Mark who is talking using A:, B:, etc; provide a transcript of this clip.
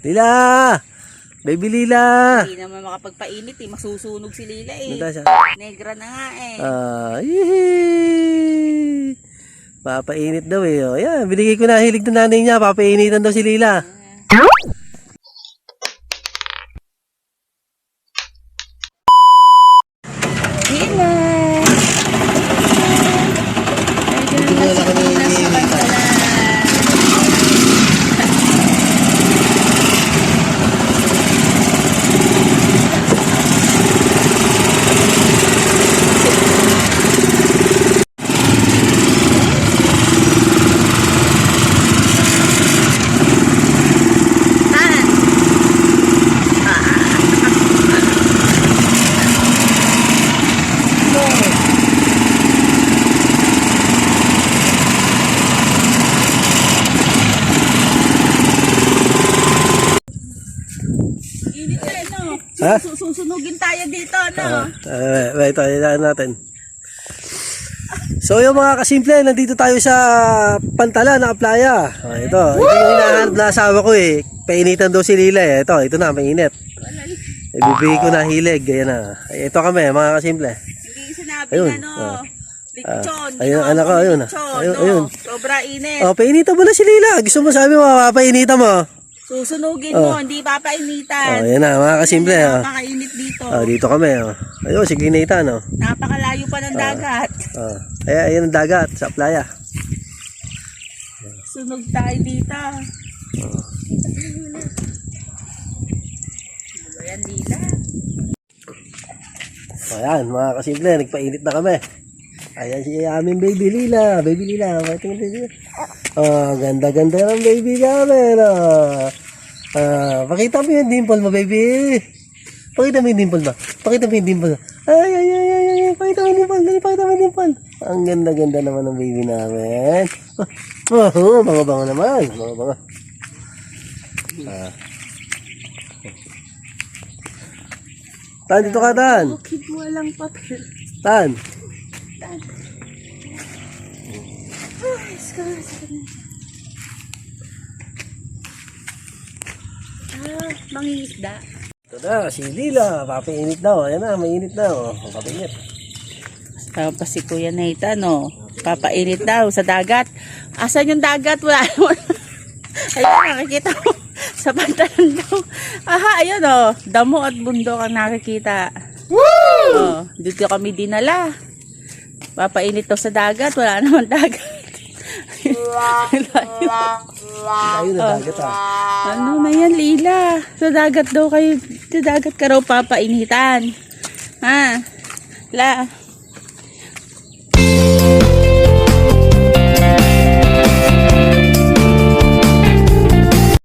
A: Lila! Baby Lila!
B: Hindi naman makapagpainit eh. Masusunog si Lila eh.
A: Nanda siya.
B: Negra na nga eh.
A: Yehey! Papainit daw eh. O, yan, binigay ko na hilig ng nanay niya. Papainitan daw si Lila.
B: Lila! Medyo na nasa pantalan. Init na no?
A: Ha?
B: Susunugin tayo dito, no?
A: Ito, ilaan natin. So yung mga kasimple, nandito tayo sa Pantalan na playa. Ito yung hinahanap na asawa ko eh. Painitan daw si Lila eh. Ito na, mainit. Ibibigay ko na hilig. Ayan na. Ito kami, mga kasimple.
B: Hindi sinabi
A: Ayun,
B: na, no? Lechon.
A: Ayun, anak ko, ayun. Ayun.
B: Sobra init.
A: Painitan mo na si Lila. Gusto mo sabi mo, papainitan mo.
B: Susunugin mo, hindi papainitan.
A: Ayan na, mga kasimple.
B: Napakainit dito.
A: Dito kami. Ayun, sige Nathan.
B: Napakalayo pa ng dagat.
A: Ayan ang dagat sa playa.
B: Sunog tayo dito. Ayan, Lila.
A: Ayan, mga kasimple, nagpainit na kami. Ayan si aming baby Lila. Baby Lila, tingnan baby. Ganda-ganda ng baby namin. Pakita mo yung dimple mo, baby. Pakita mo yung dimple mo. Pakita mo yung dimple mo. Ay. Pakita mo yung dimple. Pakita mo yung dimple. Ang ganda-ganda naman ng baby namin. Bango-bango naman. Bango-bango. Tan, dito ka, Tan.
B: Bakit walang papel?
A: Tan.
B: Mangingisda.
A: Ito na, si Lila. Papainit daw. Ayan na, mainit daw. Papainit.
B: Tapos si Kuya Nathan, no? Papainit daw sa dagat. Asan yung dagat? Wala naman. Ayun, nakikita mo. Sa Pantalan daw. Aha, ayun, oh. Damo at bundok ang nakikita. Woo! Oh, dito kami dinala. Papainit daw sa dagat. Wala naman dagat.
A: Ayun na dagat
B: Ano na yan, Lila? Sa dagat daw kayo. Sa dagat ka raw papainitan. Ha? La.